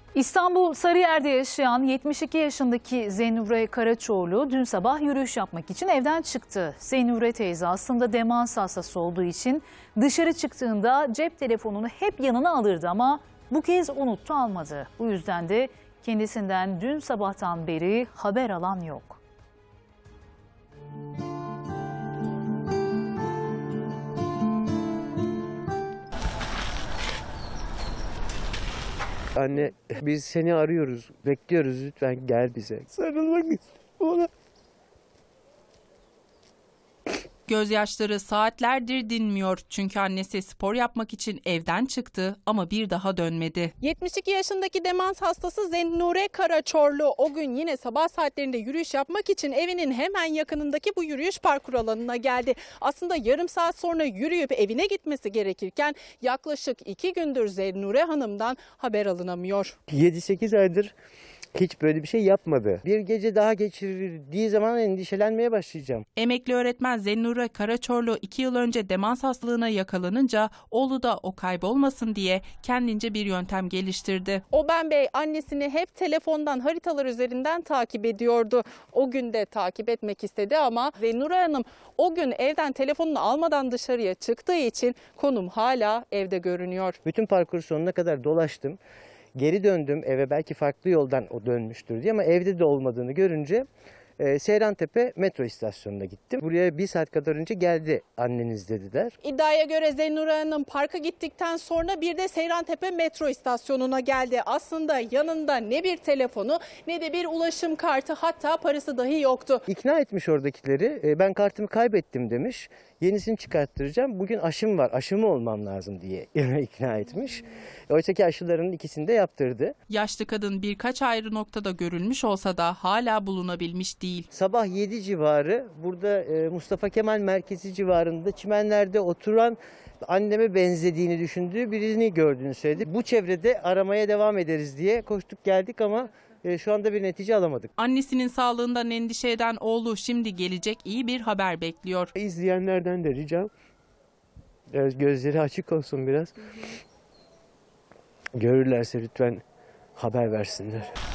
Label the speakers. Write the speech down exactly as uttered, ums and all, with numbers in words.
Speaker 1: İstanbul Sarıyer'de yaşayan yetmiş iki yaşındaki Zeynure Karaçoğlu dün sabah yürüyüş yapmak için evden çıktı. Zeynure teyze aslında demans hastası olduğu için dışarı çıktığında cep telefonunu hep yanına alırdı ama bu kez unuttu, almadı. Bu yüzden de kendisinden dün sabahtan beri haber alan yok.
Speaker 2: Anne, biz seni arıyoruz, bekliyoruz, lütfen gel bize. Sarılmak istiyorum ona.
Speaker 3: Gözyaşları saatlerdir dinmiyor çünkü annesi spor yapmak için evden çıktı ama bir daha dönmedi.
Speaker 4: yetmiş iki yaşındaki demans hastası Zeynure Karaçoğlu o gün yine sabah saatlerinde yürüyüş yapmak için evinin hemen yakınındaki bu yürüyüş parkur alanına geldi. Aslında yarım saat sonra yürüyüp evine gitmesi gerekirken yaklaşık iki gündür Zeynure Hanım'dan haber alınamıyor.
Speaker 2: yedi sekiz aydır hiç böyle bir şey yapmadı. Bir gece daha geçirdiği zaman endişelenmeye başlayacağım.
Speaker 3: Emekli öğretmen Zeynure Karaçoğlu iki yıl önce demans hastalığına yakalanınca oğlu da o kaybolmasın diye kendince bir yöntem geliştirdi.
Speaker 4: Oben Bey annesini hep telefondan, haritalar üzerinden takip ediyordu. O gün de takip etmek istedi ama Zeynure Hanım o gün evden telefonunu almadan dışarıya çıktığı için konum hala evde görünüyor.
Speaker 2: Bütün parkur sonuna kadar dolaştım. Geri döndüm eve, belki farklı yoldan o dönmüştür diye, ama evde de olmadığını görünce e, Seyrantepe metro istasyonuna gittim. Buraya bir saat kadar önce geldi anneniz dediler.
Speaker 4: İddiaya göre Zeynure Hanım parka gittikten sonra bir de Seyrantepe metro istasyonuna geldi. Aslında yanında ne bir telefonu ne de bir ulaşım kartı, hatta parası dahi yoktu.
Speaker 2: İkna etmiş oradakileri, e, ben kartımı kaybettim demiş. Yenisini çıkarttıracağım. Bugün aşım var, aşımı olmam lazım diye ikna etmiş. Oysa ki aşılarının ikisini de yaptırdı.
Speaker 3: Yaşlı kadın birkaç ayrı noktada görülmüş olsa da hala bulunabilmiş değil.
Speaker 2: Sabah yedi civarı burada e, Mustafa Kemal Merkezi civarında çimenlerde oturan, anneme benzediğini düşündüğü birini gördüğünü söyledi. Bu çevrede aramaya devam ederiz diye koştuk geldik ama e, şu anda bir netice alamadık.
Speaker 3: Annesinin sağlığından endişe eden oğlu şimdi gelecek iyi bir haber bekliyor.
Speaker 2: İzleyenlerden de ricam e, gözleri açık olsun biraz. Görürlerse lütfen haber versinler.